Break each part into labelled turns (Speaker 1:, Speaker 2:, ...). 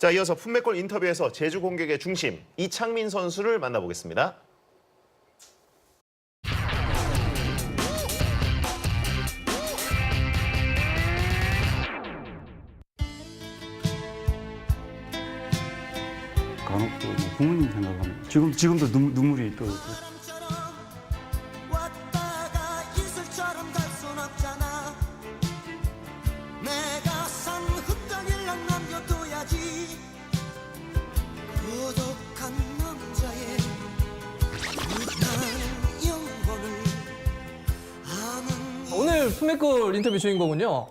Speaker 1: 자, 이어서 품맥골 인터뷰에서 제주 공격의 중심 이창민 선수를 만나보겠습니다.
Speaker 2: 간혹 또 부모님 생각하면 지금도 눈물이 또
Speaker 3: 왔다가 이슬처럼 갈 순 없잖아. 내가 산 흙덩이랑 남겨둬야지. 고독한 남자의 나는 영혼을 아는
Speaker 4: 오늘 품맥골 인터뷰 주인공은요.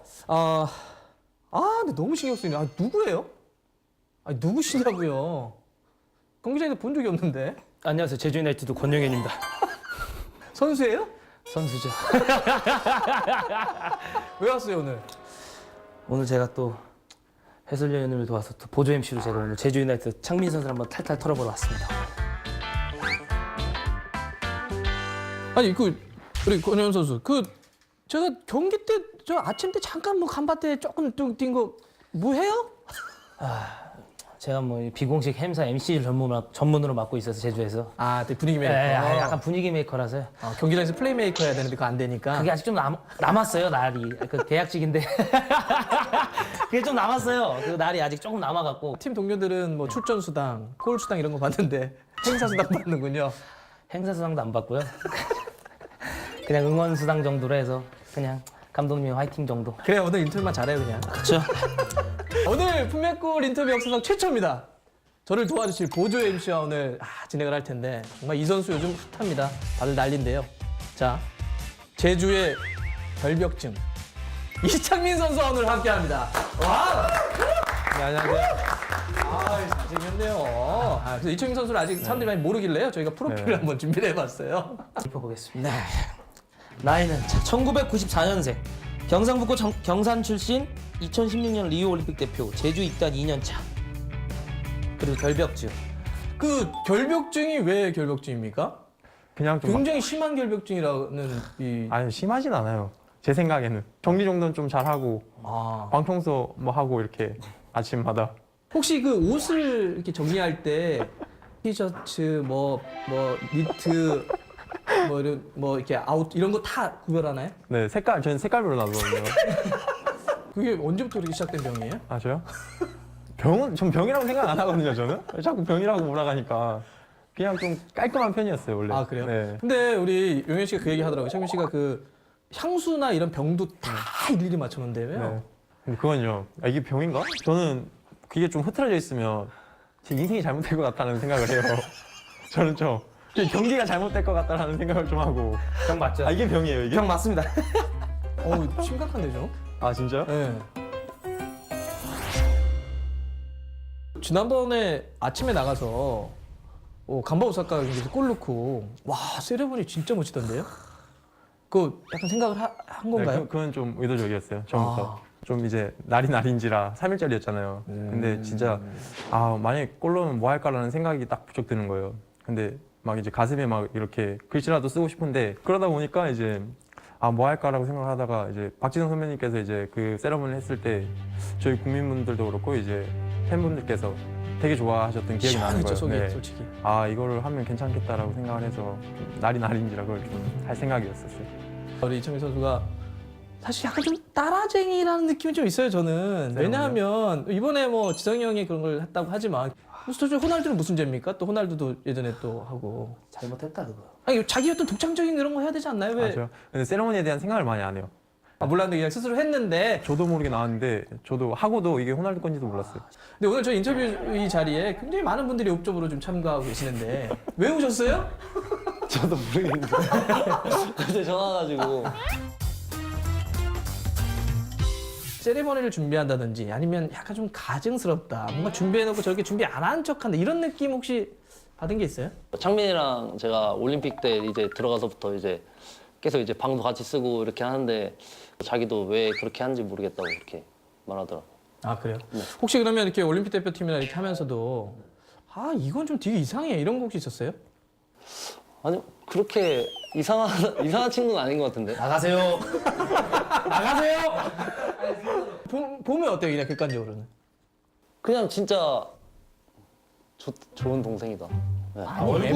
Speaker 4: 근데 너무 신경 쓰이네. 누구예요? 누구시냐고요? 경기장에서 본 적이 없는데.
Speaker 5: 안녕하세요. 제주 유나이티드 권영현입니다.
Speaker 4: 선수예요?
Speaker 5: 선수죠.
Speaker 4: 왜 왔어요 오늘?
Speaker 5: 오늘 제가 또 해설위원님을 도와서 또 보조 MC로 제가 오늘 제주 유나이티드 창민 선수를 한번 탈탈 털어보러 왔습니다.
Speaker 4: 아니 우리 권현 선수 제가 경기 때 저 아침 때 잠깐 뭐 간밭에 조금 뛴 거 뭐 해요?
Speaker 5: 제가 뭐 비공식 행사 MC 전문으로 맡고 있어서 제주에서
Speaker 4: 되게 분위기 메이커.
Speaker 5: 약간 분위기 메이커라서요.
Speaker 4: 경기장에서 플레이메이커 해야 되는데 그거 안 되니까.
Speaker 5: 그게 아직 좀 남았어요 날이. 그 계약직인데 그게 좀 남았어요. 그 날이 아직 조금 남아갖고.
Speaker 4: 팀 동료들은 뭐 출전 수당, 골 수당 이런 거 받는데 행사 수당 받는군요.
Speaker 5: 행사 수당도 안 받고요. 그냥 응원 수당 정도로 해서 그냥 감독님 화이팅 정도.
Speaker 4: 그래 오늘 인터뷰만 잘해요 그냥.
Speaker 5: 그렇죠.
Speaker 4: 오늘 품맥골 인터뷰 역사상 최초입니다. 저를 도와주실 보조 MC와 오늘 진행을 할 텐데 정말 이 선수 요즘 핫합니다. 다들 난리인데요. 자, 제주의 결벽증 이창민 선수와 오늘 함께합니다. 와! 네, 안녕하세요. 잘생겼네요. 그래서 이창민 선수를 아직 사람들이 많이 모르길래요. 저희가 프로필을 한번 준비를 해봤어요.
Speaker 5: 짚어보겠습니다. 네. 나이는 1994년생, 경상북도 경산 출신, 2016년 리우 올림픽 대표, 제주 입단 2년 차. 그리고 결벽증.
Speaker 4: 그 결벽증이 왜 결벽증입니까?
Speaker 6: 그냥 좀
Speaker 4: 굉장히 심한 결벽증이라는
Speaker 6: 아니 심하진 않아요. 제 생각에는 정리 정도는 좀 잘하고 방청소 뭐 하고 이렇게 아침마다
Speaker 4: 혹시 그 옷을 이렇게 정리할 때 티셔츠 니트 뭐 이렇게 아웃 이런 거 다 구별하나요?
Speaker 6: 네 저는 색깔별로 놔두거든요.
Speaker 4: 그게 언제부터 이렇게 시작된 병이에요?
Speaker 6: 아 저요? 전 병이라고 생각 안 하거든요. 저는 자꾸 병이라고 몰아가니까 그냥 좀 깔끔한 편이었어요 원래.
Speaker 4: 아 그래요?
Speaker 6: 네.
Speaker 4: 근데 우리 용현 씨가 그 얘기 하더라고요. 창민 씨가 그 향수나 이런 병도 다 일일이 맞춰놓는데요.
Speaker 6: 네. 근데 그건요. 이게 병인가? 저는 그게 좀 흐트러져 있으면 제 인생이 잘못될 것 같다는 생각을 해요. 저는 좀 경기가 잘못될 것 같다는 생각을 좀 하고.
Speaker 5: 병 맞죠?
Speaker 6: 이게 병이에요 이게?
Speaker 5: 병 맞습니다.
Speaker 4: 심각한데 좀?
Speaker 6: 아 진짜요?
Speaker 4: 네. 지난번에 아침에 나가서 간바 오사카 경기에서 골 넣고 와 세레머니 진짜 멋지던데요? 그거 약간 생각을 한 건가요?
Speaker 6: 네, 그건 좀 의도적이었어요. 처음부터. 좀 이제 날인지라 3일짜리였잖아요. 근데 진짜 만약에 골 넣으면 뭐 할까라는 생각이 딱 부쩍 드는 거예요. 근데 막 이제 가슴에 막 이렇게 글씨라도 쓰고 싶은데 그러다 보니까 이제 뭐 할까라고 생각하다가 이제 박진영 선배님께서 이제 그 세레머니를 했을 때 저희 국민분들도 그렇고 이제 팬분들께서 되게 좋아하셨던 기억이 나는
Speaker 4: 시원했죠,
Speaker 6: 거예요.
Speaker 4: 속이 솔직히.
Speaker 6: 이거를 하면 괜찮겠다라고 생각을 해서 좀 날인지라 그걸 좀 할 생각이었었어요.
Speaker 4: 우리 이창민 선수가 사실 약간 좀 따라쟁이라는 느낌이 좀 있어요 저는. 왜냐하면 이번에 뭐 지성이 형이 그런 걸 했다고 하지만 사실 호날두는 무슨 죄입니까? 또 호날두도 예전에 또 하고
Speaker 5: 잘못했다 그거.
Speaker 4: 아니 자기 어떤 독창적인 그런 거 해야 되지 않나요? 왜?
Speaker 6: 맞아요. 근데 세레머니에 대한 생각을 많이 안 해요.
Speaker 4: 몰랐는데 그냥 스스로 했는데.
Speaker 6: 저도 모르게 나왔는데 저도 하고도 이게 호날두 건지도 몰랐어요.
Speaker 4: 근데 오늘 저 인터뷰 이 자리에 굉장히 많은 분들이 옵적으로 좀 참가하고 계시는데 왜 오셨어요?
Speaker 7: 저도 모르겠는데 어제 전화 와가지고
Speaker 4: 세레머니를 준비한다든지 아니면 약간 좀 가증스럽다 뭔가 준비해놓고 저렇게 준비 안 한 척한다 이런 느낌 혹시 받은 게 있어요?
Speaker 7: 창민이랑 제가 올림픽 때 이제 들어가서부터 이제 계속 이제 방도 같이 쓰고 이렇게 하는데 자기도 왜 그렇게 하는지 모르겠다고 그렇게 말하더라고.
Speaker 4: 아 그래요? 혹시 그러면 이렇게 올림픽 대표팀이나 이렇게 하면서도 이건 좀 되게 이상해 이런 거 혹시 있었어요?
Speaker 7: 아니 그렇게 이상한 친구는 아닌 것 같은데.
Speaker 5: 나가세요. 나가세요.
Speaker 4: 보면 어때요 그냥 객관적으로는?
Speaker 7: 그냥 진짜 좋은 동생이다. 네.
Speaker 4: 얼굴.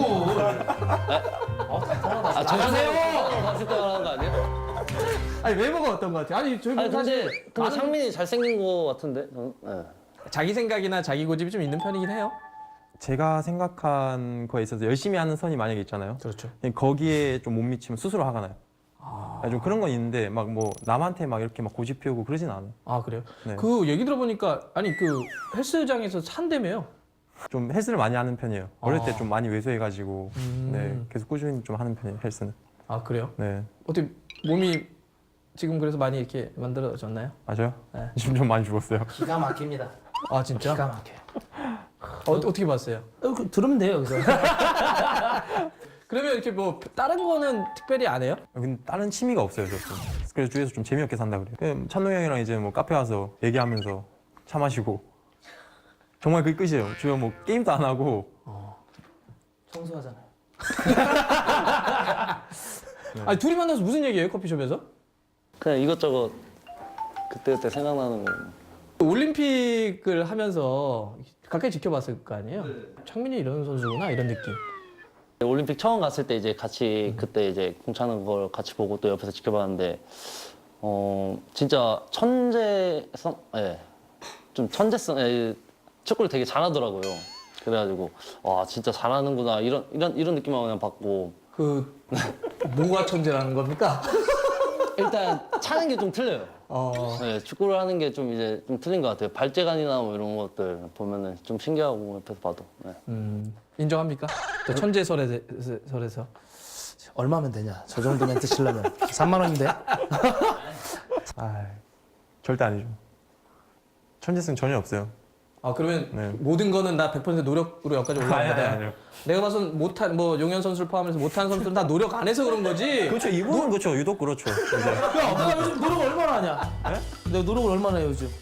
Speaker 7: 잘하세요. 봤을 때 말하는 거 아니에요?
Speaker 4: 아니 외모가 어떤 것 같아요? 아니 저희
Speaker 7: 아니
Speaker 4: 사실
Speaker 7: 근데 상민이 잘생긴 거 같은데. 네.
Speaker 4: 자기 생각이나 자기 고집이 좀 있는 편이긴 해요.
Speaker 6: 제가 생각한 거에 있어서 열심히 하는 선이 만약에 있잖아요.
Speaker 4: 그렇죠.
Speaker 6: 거기에 좀 못 미치면 스스로 화가 나요. 좀 그런 건 있는데 막 뭐 남한테 막 이렇게 막 고집 피우고 그러진 않아요.
Speaker 4: 아 그래요?
Speaker 6: 네.
Speaker 4: 그 얘기 들어보니까 아니 그 헬스장에서 산다며요.
Speaker 6: 좀 헬스를 많이 하는 편이에요. 어릴 때
Speaker 4: 아.
Speaker 6: 좀 많이 왜소해가지고 네, 계속 꾸준히 좀 하는 편이에요. 헬스는.
Speaker 4: 아 그래요?
Speaker 6: 네,
Speaker 4: 어떻게 몸이 지금 그래서 많이 이렇게 만들어졌나요?
Speaker 6: 맞아요.
Speaker 4: 네.
Speaker 6: 지금 좀 많이 죽었어요.
Speaker 5: 기가 막힙니다.
Speaker 4: 아 진짜?
Speaker 5: 기가 막혀요.
Speaker 4: 어떻게 봤어요?
Speaker 5: 들으면 돼요, 여기서.
Speaker 4: 그러면 이렇게 뭐 다른 거는 특별히 안 해요?
Speaker 6: 근데 다른 취미가 없어요, 저 좀. 그래서 주위에서 좀 재미없게 산다 그래요. 그냥 찬동 형이랑 이제 뭐 카페 가서 얘기하면서 차 마시고 정말 그게 끝이에요. 주변 뭐 게임도 안 하고
Speaker 5: 청소하잖아요.
Speaker 4: 아니 둘이 만나서 무슨 얘기해요 커피숍에서?
Speaker 7: 그냥 이것저것 그때 생각나는 거.
Speaker 4: 올림픽을 하면서 가까이 지켜봤을 거 아니에요? 창민이 이런 선수구나 이런 느낌.
Speaker 7: 올림픽 처음 갔을 때 이제 같이 그때 이제 공 차는 걸 같이 보고 또 옆에서 지켜봤는데 진짜 천재성, 예, 좀 천재성, 예, 축구를 되게 잘하더라고요. 그래가지고 와 진짜 잘하는구나 이런 느낌만 그냥 받고
Speaker 4: 그 뭐가 천재라는 겁니까?
Speaker 7: 일단 차는 게 좀 틀려요. 네, 축구를 하는 게 좀 이제 좀 틀린 것 같아요. 발재간이나 뭐 이런 것들 보면은 좀 신기하고 옆에서 봐도. 네.
Speaker 4: 인정합니까? 저 천재설에서.
Speaker 5: 얼마면 되냐? 저 정도 멘트 치려면 3만 원인데?
Speaker 6: 아, 절대 아니죠. 천재성 전혀 없어요.
Speaker 4: 아 그러면
Speaker 6: 네.
Speaker 4: 모든 거는 나 100% 노력으로 여기까지 올라간 거다.
Speaker 6: 아니요.
Speaker 4: 내가 봐선 못한 뭐 용현 선수를 포함해서 못한 선수들은 다 노력 안 해서 그런 거지.
Speaker 6: 그렇죠. 이분은 그렇죠. 유독 그렇죠. 이제.
Speaker 5: 야, 오빠 요즘 노력 얼마나 하냐? 내가 노력을 얼마나 해요, 요즘?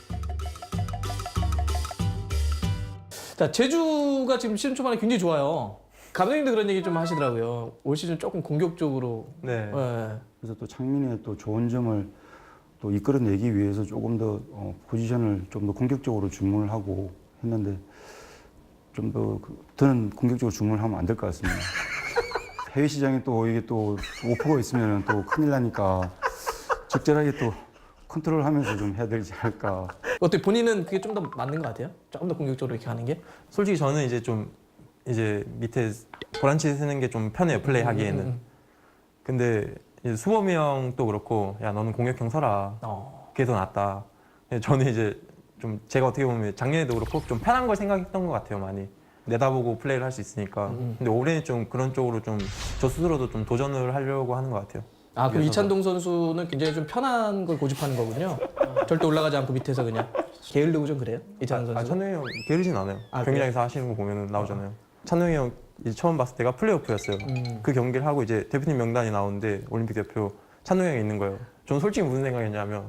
Speaker 4: 자 제주가 지금 시즌 초반에 굉장히 좋아요. 감독님도 그런 얘기 좀 하시더라고요. 올 시즌 조금 공격적으로.
Speaker 6: 네.
Speaker 4: 예.
Speaker 2: 그래서 또 창민의 또 좋은 점을 또 이끌어내기 위해서 조금 더 포지션을 좀 더 공격적으로 주문을 하고 했는데 좀 더 더는 공격적으로 주문을 하면 안 될 것 같습니다. 해외 시장에 또 이게 또 오퍼가 있으면 또 큰일 나니까 적절하게 또 컨트롤하면서 좀 해야 되지 않을까.
Speaker 4: 어때 본인은 그게 좀 더 맞는 것 같아요? 조금 더 공격적으로 이렇게 하는 게?
Speaker 6: 솔직히 저는 이제 좀 이제 밑에 보란치 쓰는 게 좀 편해요. 플레이 하기에는. 근데 이제 수범이 형도 그렇고 야 너는 공격형 서라. 그게 더 낫다. 저는 이제 좀 제가 어떻게 보면 작년에도 그렇고 좀 편한 걸 생각했던 것 같아요. 많이 내다보고 플레이를 할 수 있으니까. 근데 올해는 좀 그런 쪽으로 좀 저 스스로도 좀 도전을 하려고 하는 것 같아요.
Speaker 4: 아 그럼
Speaker 6: 그래서
Speaker 4: 이찬동 선수는 굉장히 좀 편한 걸 고집하는 거군요. 절대 올라가지 않고 밑에서 그냥 게을르고 좀 그래요? 이찬동 선수.
Speaker 6: 찬웅이 형 게으르진 않아요.
Speaker 4: 아,
Speaker 6: 경기장에서 하시는 거 보면 나오잖아요. 찬웅이 형 이제 처음 봤을 때가 플레이오프였어요. 그 경기를 하고 이제 대표팀 명단이 나오는데 올림픽 대표 찬웅이 형이 있는 거예요. 저는 솔직히 무슨 생각이었냐면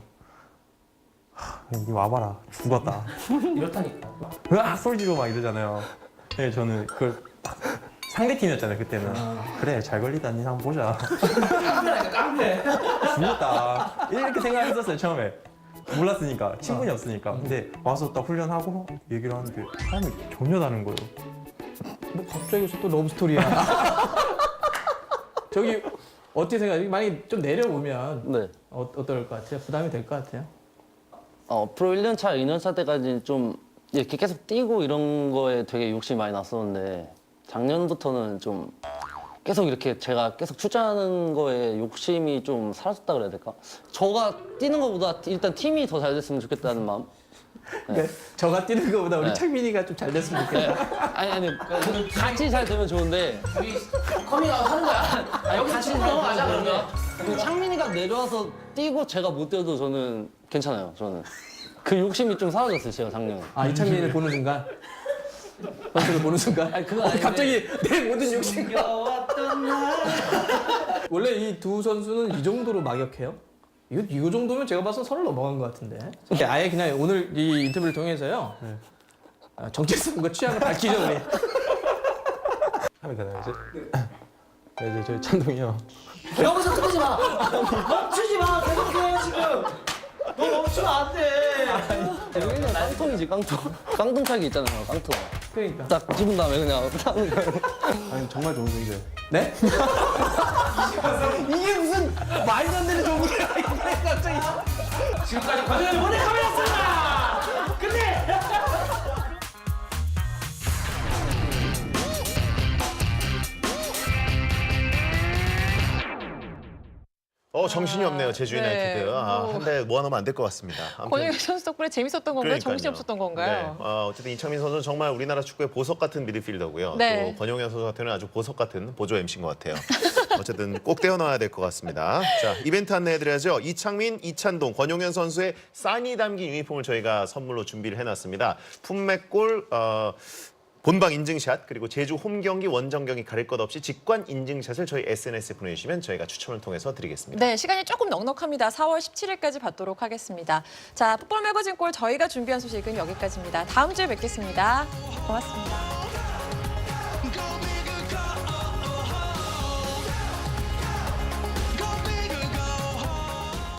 Speaker 6: 니 와봐라 죽었다.
Speaker 5: 이렇다니까.
Speaker 6: 으악 소리 지르고 막 이러잖아요. 네, 저는 그걸 상대 팀이었잖아요 그때는. 그래 잘 걸리다 니 한번 보자. 죽었다 이렇게 생각했었어요 처음에. 몰랐으니까 친분이 없으니까. 근데 와서 딱 훈련하고 얘기를 하는데 사람이 전혀 다른 거예요.
Speaker 4: 뭐 갑자기 여기서 또 러브 스토리야. 저기 어떻게 생각해요? 만약에 좀 내려오면
Speaker 7: 네.
Speaker 4: 어떨 것 같아요? 부담이 될 것 같아요?
Speaker 7: 프로 1년차, 2년차 때까지는 좀 이렇게 계속 뛰고 이런 거에 되게 욕심이 많이 났었는데 작년부터는 좀 계속 이렇게 제가 계속 출전하는 거에 욕심이 좀 사라졌다 그래야 될까? 저가 뛰는 것보다 일단 팀이 더 잘 됐으면 좋겠다는 마음.
Speaker 4: 그러니까 저가 뛰는 것보다 우리
Speaker 7: 네.
Speaker 4: 창민이가 좀 잘 됐으면
Speaker 7: 네.
Speaker 4: 좋겠다.
Speaker 7: 아니 같이 잘 되면 좋은데
Speaker 5: 커밍아웃 하는 거야. 아, 여기 같이 넘어가자, 그러면.
Speaker 7: 그 창민이가 내려와서 뛰고 제가 못 뛰어도 저는 괜찮아요. 저는 그 욕심이 좀 사라졌어요. 제가 작년에.
Speaker 4: 아 이창민을 보는 순간 선수를 보는 순간
Speaker 7: 아니, 그건 아닌데.
Speaker 4: 갑자기 내 모든 욕심 원래 이 두 선수는 이 정도로 막역해요? 이거 정도면 제가 봐서 선을 넘어간 것 같은데. 이렇게 아예 그냥 오늘 이 인터뷰를 통해서요. 정체성과 취향을 밝히죠 우리.
Speaker 6: 하면 되나요 이제? 네, 이제 저희 찬동이 형.
Speaker 5: 여기서 끊지 마. 멈추지 마. 계속해, 지금. 너 멈추면 안 돼.
Speaker 7: 여기는 깡통이지 깡통. 깡통차기 있잖아요 깡통.
Speaker 4: 그러니까.
Speaker 7: 딱 집은 다음에 그냥 타는 거예요.
Speaker 6: 아니 정말 좋은 생각이에요.
Speaker 4: 네? 이게 무슨 말도 안 되는 정보야 이게 갑자기.
Speaker 5: 지금까지 과정을 보내 카메라였습니다. 근데
Speaker 1: 정신이 없네요, 제주
Speaker 8: 네.
Speaker 1: 유나이티드. 한 대 모아놓으면 안 될 것 같습니다. 아무튼
Speaker 8: 권영희 선수 덕분에 재밌었던 건가요?
Speaker 1: 그러니까요.
Speaker 8: 정신이 없었던 건가요?
Speaker 1: 네. 어쨌든 이창민 선수는 정말 우리나라 축구의 보석 같은 미드필더고요.
Speaker 8: 네.
Speaker 1: 또 권용현 선수 같은 경우는 아주 보석 같은 보조 MC인 것 같아요. 어쨌든 꼭 떼어놔야 될 것 같습니다. 자, 이벤트 안내해드려야죠. 이창민, 이찬동, 권용현 선수의 사인이 담긴 유니폼을 저희가 선물로 준비를 해놨습니다. 품맥골 본방 인증샷 그리고 제주 홈 경기 원정 경기 가릴 것 없이 직관 인증샷을 저희 SNS에 보내주시면 저희가 추첨을 통해서 드리겠습니다.
Speaker 8: 네, 시간이 조금 넉넉합니다. 4월 17일까지 받도록 하겠습니다. 자, 풋볼 매거진 골 저희가 준비한 소식은 여기까지입니다. 다음 주에 뵙겠습니다. 고맙습니다.